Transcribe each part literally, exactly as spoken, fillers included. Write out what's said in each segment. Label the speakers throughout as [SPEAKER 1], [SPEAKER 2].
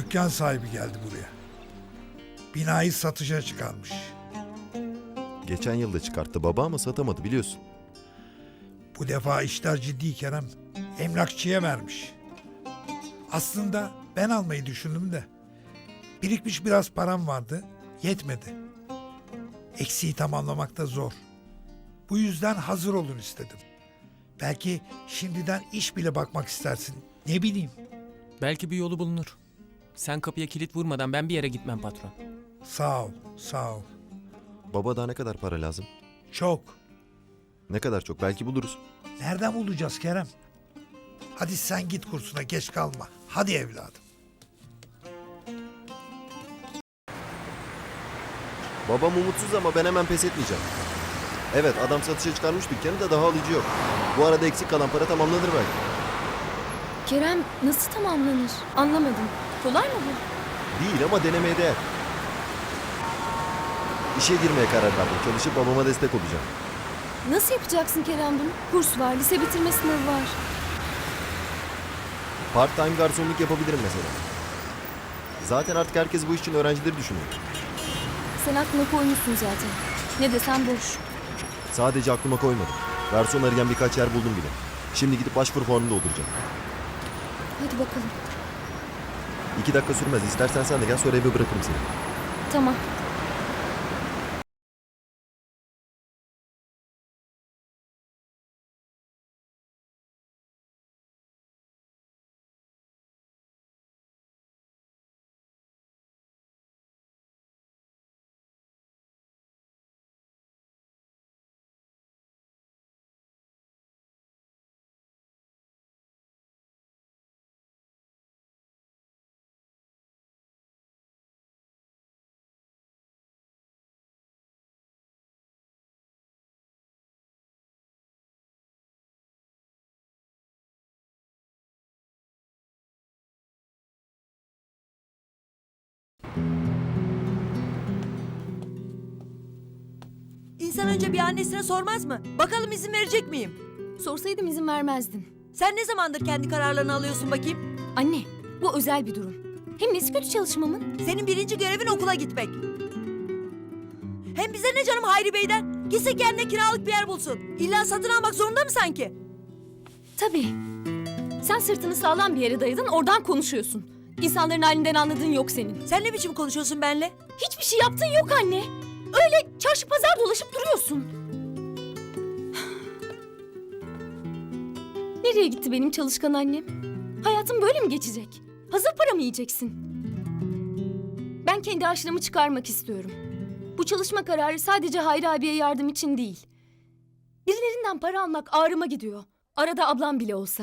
[SPEAKER 1] dükkan sahibi geldi buraya. Binayı satışa çıkarmış.
[SPEAKER 2] Geçen yılda çıkarttı baba ama satamadı biliyorsun.
[SPEAKER 1] Bu defa işler ciddi Kerem. Emlakçıya vermiş. Aslında ben almayı düşündüm de. Birikmiş biraz param vardı. Yetmedi. Eksiği tamamlamak da zor. Bu yüzden hazır olun istedim. Belki şimdiden iş bile bakmak istersin. Ne bileyim.
[SPEAKER 3] Belki bir yolu bulunur. Sen kapıya kilit vurmadan ben bir yere gitmem patron.
[SPEAKER 1] Sağ ol, sağ ol.
[SPEAKER 2] Baba daha ne kadar para lazım?
[SPEAKER 1] Çok.
[SPEAKER 2] Ne kadar çok belki buluruz.
[SPEAKER 1] Nereden bulacağız Kerem? Hadi sen git kursuna, geç kalma. Hadi evladım.
[SPEAKER 2] Babam umutsuz ama ben hemen pes etmeyeceğim. Evet adam satışa çıkarmış dükkanı da daha alıcı yok. Bu arada eksik kalan para tamamlanır belki.
[SPEAKER 4] Kerem nasıl tamamlanır? Anlamadım. Kolay mı bu?
[SPEAKER 2] Değil ama denemeye değer. İşe girmeye karar verdim. Çalışıp babama destek olacağım.
[SPEAKER 4] Nasıl yapacaksın Kerem bunu? Kurs var, lise bitirme sınavı var.
[SPEAKER 2] Part time garsonluk yapabilirim mesela. Zaten artık herkes bu iş için öğrencileri düşünüyor.
[SPEAKER 4] Sen aklına koymuşsun zaten. Ne desem boş.
[SPEAKER 2] Sadece aklıma koymadım. Garson arayan birkaç yer buldum bile. Şimdi gidip başvuru formunu dolduracağım.
[SPEAKER 4] Hadi bakalım.
[SPEAKER 2] İki dakika sürmez. İstersen sen de gel sonra eve bırakırım seni.
[SPEAKER 4] Tamam.
[SPEAKER 5] İnsan önce bir annesine sormaz mı? Bakalım izin verecek miyim?
[SPEAKER 4] Sorsaydım izin vermezdin.
[SPEAKER 5] Sen ne zamandır kendi kararlarını alıyorsun bakayım?
[SPEAKER 4] Anne, bu özel bir durum. Hem nesi kötü çalışmamın?
[SPEAKER 5] Senin birinci görevin okula gitmek. Hem bize ne canım Hayri Bey'den? Gitse kendine kiralık bir yer bulsun. İlla satın almak zorunda mı sanki?
[SPEAKER 4] Tabii. Sen sırtını sağlam bir yere dayadın, oradan konuşuyorsun. İnsanların halinden anladığın yok senin.
[SPEAKER 5] Sen ne biçim konuşuyorsun benimle?
[SPEAKER 4] Hiçbir şey yaptığın yok anne. Öyle çarşı pazar dolaşıp duruyorsun. Nereye gitti benim çalışkan annem? Hayatım böyle mi geçecek? Hazır para mı yiyeceksin? Ben kendi harçlığımı çıkarmak istiyorum. Bu çalışma kararı sadece Hayri abiye yardım için değil. Birilerinden para almak ağrıma gidiyor. Arada ablam bile olsa.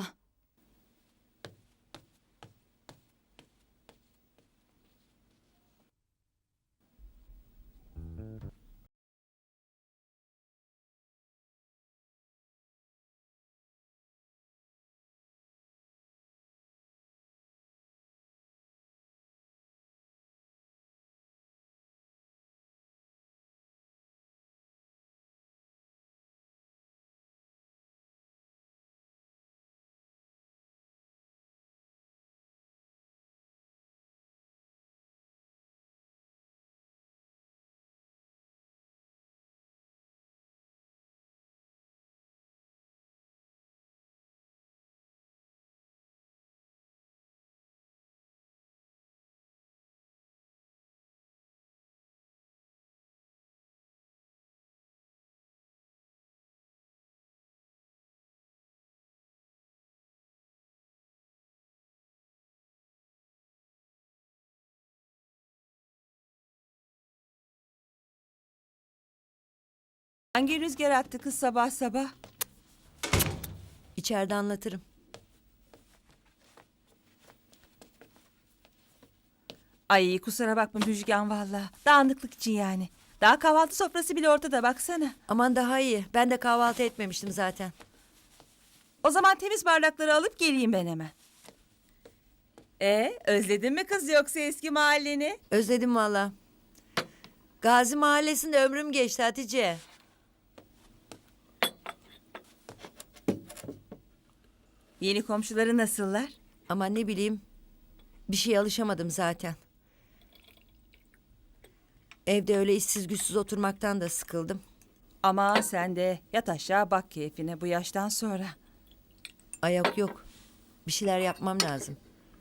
[SPEAKER 5] Hangi rüzgar attı kız sabah sabah? İçeride anlatırım. Ay kusura bakma Müjgan valla. Dağınıklık için yani. Daha kahvaltı sofrası bile ortada baksana.
[SPEAKER 6] Aman daha iyi. Ben de kahvaltı etmemiştim zaten.
[SPEAKER 5] O zaman temiz bardakları alıp geleyim ben hemen. E özledin mi kız yoksa eski mahalleni?
[SPEAKER 6] Özledim valla. Gazi Mahallesi'nde ömrüm geçti Hatice.
[SPEAKER 5] Yeni komşuları nasıllar?
[SPEAKER 6] Aman ne bileyim. Bir şeye alışamadım zaten. Evde öyle işsiz güçsüz oturmaktan da sıkıldım.
[SPEAKER 7] Ama sen de yat aşağı bak keyfine bu yaştan sonra.
[SPEAKER 6] Ayak yok. Bir şeyler yapmam lazım.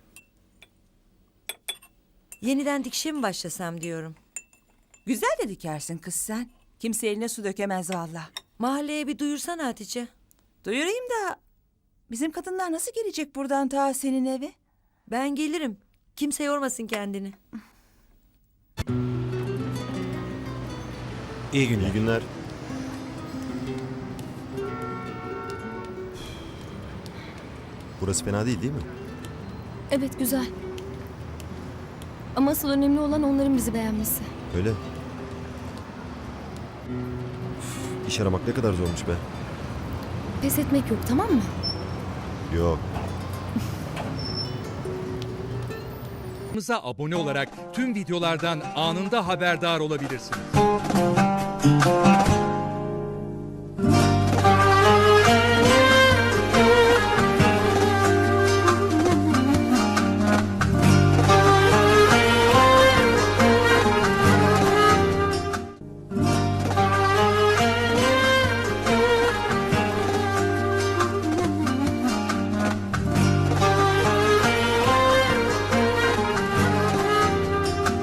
[SPEAKER 6] Yeniden dikişe mi başlasam diyorum.
[SPEAKER 7] Güzel de dikersin kız sen. Kimse eline su dökemez valla.
[SPEAKER 6] Mahalleye bir duyursana Hatice.
[SPEAKER 7] Duyurayım da bizim kadınlar nasıl gelecek buradan ta senin eve?
[SPEAKER 6] Ben gelirim. Kimse yormasın kendini.
[SPEAKER 8] İyi günler.
[SPEAKER 2] İyi günler. Burası fena değil değil mi?
[SPEAKER 4] Evet güzel. Ama asıl önemli olan onların bizi beğenmesi.
[SPEAKER 2] Öyle. Üf, İş aramak ne kadar zormuş be.
[SPEAKER 4] Pes etmek yok, tamam mı?
[SPEAKER 2] Yok.
[SPEAKER 9] Kanalımıza abone olarak tüm videolardan anında haberdar olabilirsiniz.